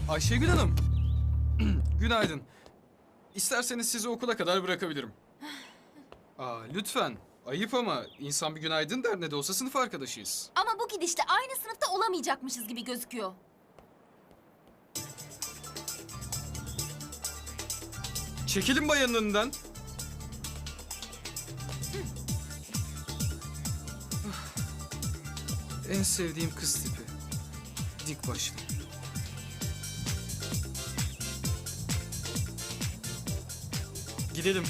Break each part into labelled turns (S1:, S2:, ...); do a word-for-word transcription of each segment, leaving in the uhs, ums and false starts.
S1: Ayşegül Hanım. Günaydın. İsterseniz sizi okula kadar bırakabilirim. Aa, lütfen. Ayıp ama insan bir günaydın der, ne de olsa sınıf arkadaşıyız.
S2: Ama bu gidişte aynı sınıfta olamayacakmışız gibi gözüküyor.
S1: Çekilin bayanın önünden. En sevdiğim kız tipi. Dik başlı. Gidelim.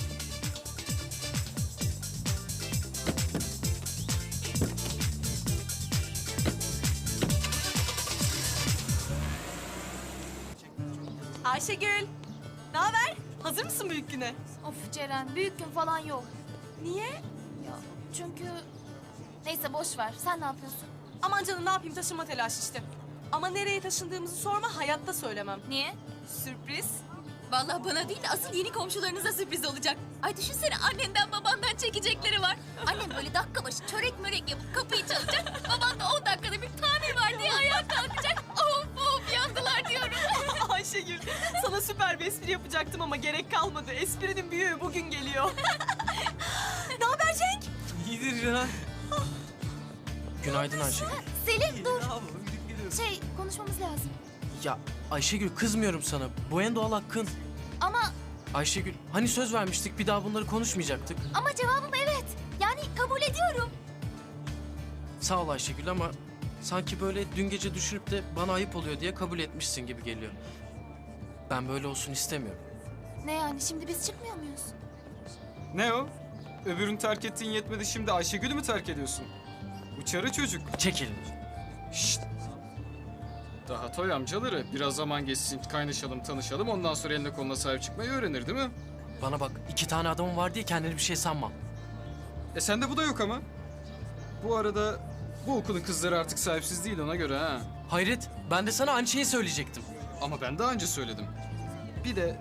S3: Ayşegül, ne haber? Hazır mısın büyük güne?
S2: Of Ceren, büyük gün falan yok.
S3: Niye?
S2: Ya çünkü... Neyse boş ver. Sen ne yapıyorsun?
S3: Aman canım ne yapayım taşınma telaşı işte. Ama nereye taşındığımızı sorma, hayatta söylemem.
S2: Niye?
S3: Sürpriz.
S2: Vallahi bana değil, asıl yeni komşularınıza sürpriz olacak. Ay düşünsene, annenden babandan çekecekleri var. Annem böyle dakika başı çörek mörek yapıp kapıyı çalacak. Baban da on dakikada bir tamir var diye ayağa kalkacak. Of of yandılar diyorum.
S3: Ayşegül, sana süper bir espri yapacaktım ama gerek kalmadı. Esprinin büyüğü bugün geliyor. Ne haber Cenk?
S4: İyidir Ceren. Günaydın Ayşegül.
S2: Selin dur. Şey konuşmamız lazım.
S4: Ya Ayşegül kızmıyorum sana. Bu en doğal hakkın.
S2: Ama
S4: Ayşegül hani söz vermiştik bir daha bunları konuşmayacaktık.
S2: ama cevabım evet. Yani kabul ediyorum.
S4: Sağ ol Ayşegül ama sanki böyle dün gece düşünüp de bana ayıp oluyor diye kabul etmişsin gibi geliyor. Ben böyle olsun istemiyorum.
S2: Ne yani, şimdi biz çıkmıyor muyuz?
S1: Ne o? Öbürünü terk ettiğin yetmedi, şimdi Ayşegül'ü mü terk ediyorsun? Uçarı çocuk.
S4: Çek elini.
S1: Şşt. Daha toy amcaları. Biraz zaman geçsin, kaynaşalım, tanışalım. Ondan sonra eline koluna sahip çıkmayı öğrenir değil mi?
S4: Bana bak iki tane adamım var diye kendini bir şey sanma.
S1: E sende bu da yok ama. Bu arada bu okulun kızları artık sahipsiz değil, ona göre ha.
S4: Hayret ben de sana aynı şeyi söyleyecektim.
S1: Ama ben daha önce söyledim. Bir de...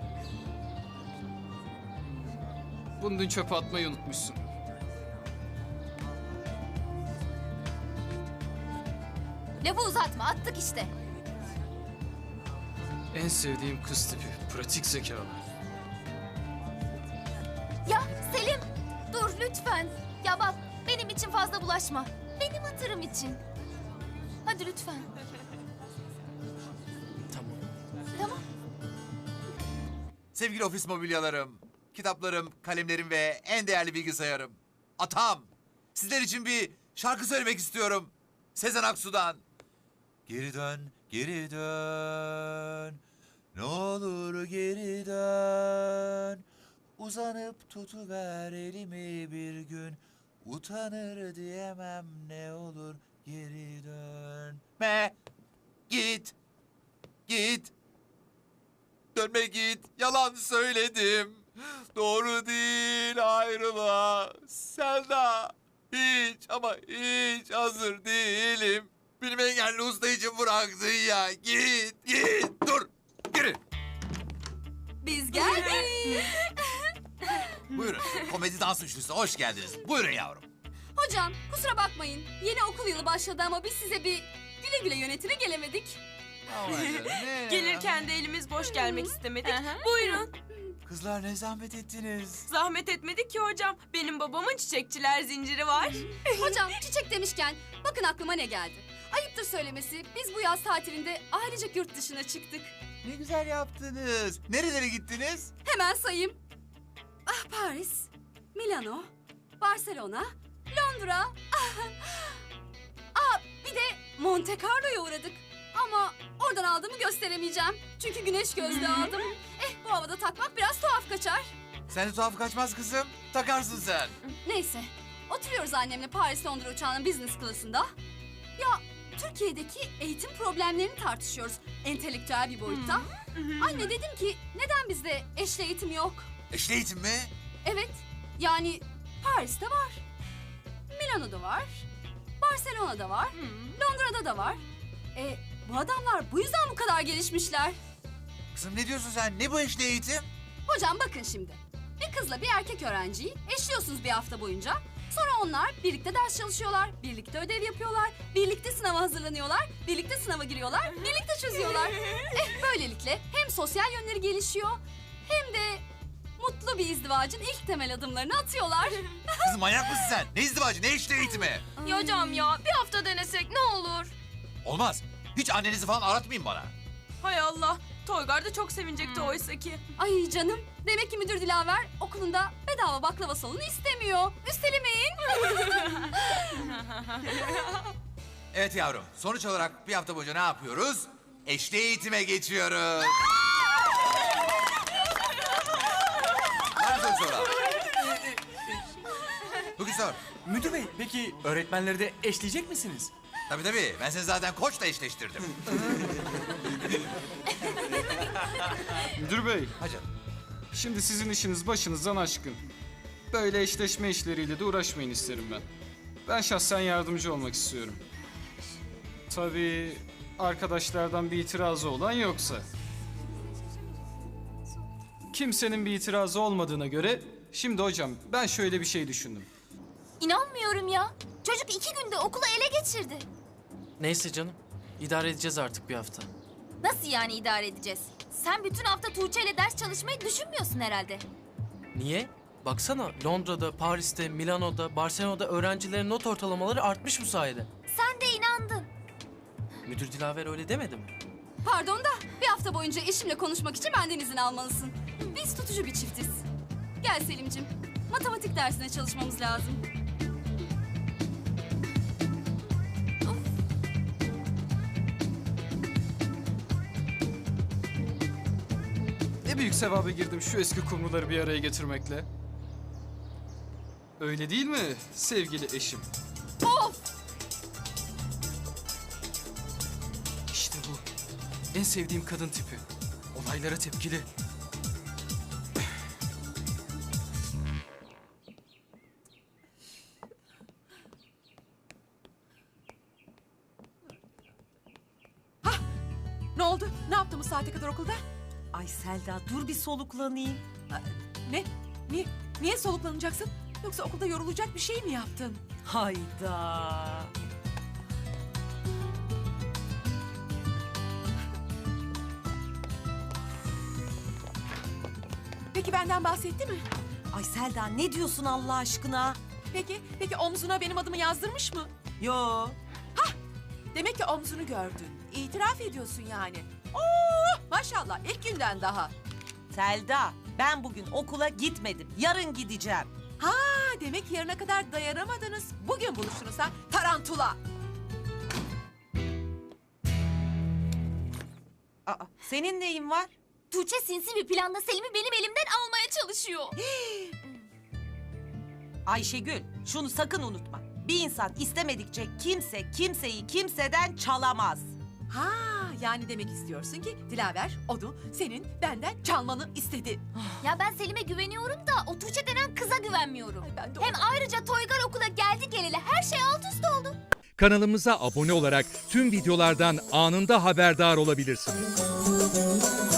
S1: Bunu dün çöpe atmayı unutmuşsun.
S2: Lafı uzatma, attık işte.
S1: En sevdiğim kız tipi. Pratik zekalı.
S2: Ya Selim, dur lütfen. Ya bak, benim için fazla bulaşma. Benim hatırım için. Hadi lütfen.
S4: Tamam.
S2: Tamam.
S5: Sevgili ofis mobilyalarım, kitaplarım, kalemlerim ve en değerli bilgisayarım. Atam, sizler için bir şarkı söylemek istiyorum. Sezen Aksu'dan. Geri dön, geri dön. Ne olur geri dön. Uzanıp tutuver elimi bir gün. Utanır diyemem ne olur geri dön. Me, git, git. Dönme git, yalan söyledim. Doğru değil ayrılığa. Selda, hiç ama hiç hazır değilim. Benim engelli usta için bıraktın ya. Git, git, dur, geri.
S2: Biz geldik.
S5: Buyurun, komedi dans üçlüsü hoş geldiniz. Buyurun yavrum.
S6: Hocam kusura bakmayın. Yeni okul yılı başladı ama biz size bir güle güle yönetine gelemedik.
S3: Gelirken de elimiz boş gelmek istemedik. Buyurun.
S5: Kızlar ne zahmet ettiniz.
S3: Zahmet etmedik ki hocam. Benim babamın çiçekçiler zinciri var.
S6: Hocam çiçek demişken bakın aklıma ne geldi. Ayıptır söylemesi biz bu yaz tatilinde ailecek yurt dışına çıktık.
S5: Ne güzel yaptınız. Nerelere gittiniz?
S6: Hemen sayayım. Ah Paris, Milano, Barcelona, Londra. Ah, ah bir de Monte Carlo'ya uğradık. Ama oradan aldığımı gösteremeyeceğim. Çünkü güneş gözlüğü aldım. Eh bu havada takmak biraz tuhaf kaçar.
S5: Sen de tuhaf kaçmaz kızım. Takarsın sen.
S6: Neyse, oturuyoruz annemle Paris-Londra uçağının business class'ında. Ya Türkiye'deki eğitim problemlerini tartışıyoruz entelektüel bir boyutta. Anne dedim ki neden bizde eşli eğitim yok?
S5: Eşli eğitim mi?
S6: Evet, yani Paris'te var, Milano'da var, Barcelona'da var, Londra'da da var. E bu adamlar bu yüzden bu kadar gelişmişler.
S5: Kızım ne diyorsun sen? Ne bu eşli eğitim?
S6: Hocam bakın şimdi. Bir kızla bir erkek öğrenciyi eşliyorsunuz bir hafta boyunca. Sonra onlar birlikte ders çalışıyorlar, birlikte ödev yapıyorlar, birlikte sınava hazırlanıyorlar, birlikte sınava giriyorlar, birlikte çözüyorlar. Eh böylelikle hem sosyal yönleri gelişiyor hem de mutlu bir izdivacın ilk temel adımlarını atıyorlar.
S5: Kızım manyak mısın sen? Ne izdivacı, ne işte eğitimi?
S2: Ya hocam ya bir hafta denesek ne olur?
S5: Olmaz. Hiç annenizi falan aratmayın bana.
S3: Hay Allah. Toygar da çok sevinecekti oysa ki.
S6: Ay canım, demek ki müdür Dilaver okulunda bedava baklava salonu istemiyor. Üstelemeyin.
S5: Evet yavrum, sonuç olarak bir hafta boyunca ne yapıyoruz? Eşli eğitime geçiyoruz. Var mı soru soran? Bugün sor.
S7: Müdür bey, peki öğretmenleri de eşleyecek misiniz?
S5: Tabii tabii, ben seni zaten koçla eşleştirdim.
S1: Müdür bey,
S5: Hacı.
S1: şimdi sizin işiniz başınızdan aşkın. Böyle eşleşme işleriyle de uğraşmayın isterim ben. Ben şahsen yardımcı olmak istiyorum. Tabii arkadaşlardan bir itirazı olan yoksa. Kimsenin bir itirazı olmadığına göre şimdi hocam ben şöyle bir şey düşündüm.
S2: İnanmıyorum ya. Çocuk iki günde okulu ele geçirdi.
S4: Neyse canım. İdare edeceğiz artık bir hafta.
S2: Nasıl yani idare edeceğiz? Sen bütün hafta Tuğçe ile ders çalışmayı düşünmüyorsun herhalde.
S4: Niye? Baksana Londra'da, Paris'te, Milano'da, Barcelona'da öğrencilerin not ortalamaları artmış bu sayede.
S2: Sen de inandın.
S4: Müdür Dilaver öyle demedi mi?
S6: Pardon da bir hafta boyunca eşimle konuşmak için benden izin almalısın. Biz tutucu bir çiftiz. Gel Selim'cim, matematik dersine çalışmamız lazım.
S1: Ne büyük sevaba girdim şu eski kumruları bir araya getirmekle. Öyle değil mi sevgili eşim?
S6: Of!
S1: İşte bu. En sevdiğim kadın tipi. Olaylara tepkili.
S8: Ne oldu? Ne yaptın bu saate kadar okulda?
S9: Ay Selda dur bir soluklanayım.
S8: Ne? Niye? Niye soluklanacaksın? Yoksa okulda yorulacak bir şey mi yaptın?
S9: Hayda.
S8: Peki benden bahsetti mi?
S9: Ay Selda ne diyorsun Allah aşkına?
S8: Peki, peki omzuna benim adımı yazdırmış mı?
S9: Yo.
S8: Demek ki omzunu gördün. İtiraf ediyorsun yani. Oo, maşallah ilk günden daha.
S9: Selda ben bugün okula gitmedim. Yarın gideceğim.
S8: Ha, demek yarına kadar dayanamadınız. Bugün buluştunuz ha, tarantula.
S9: Aa, senin neyin var?
S2: Tuğçe sinsi bir planla Selim'i benim elimden almaya çalışıyor.
S9: Ayşegül şunu sakın unutma. Bir insan istemedikçe kimse kimseyi kimseden çalamaz.
S8: Ha, yani demek istiyorsun ki Dilaver onu senin benden çalmanı istedi.
S2: Ya ben Selim'e güveniyorum da o Tuğçe denen kıza güvenmiyorum.
S8: Ay, ben de
S2: Hem
S8: ona-
S2: ayrıca Toygar okula geldi geleli her şey alt üst oldu.
S10: Kanalımıza abone olarak tüm videolardan anında haberdar olabilirsiniz.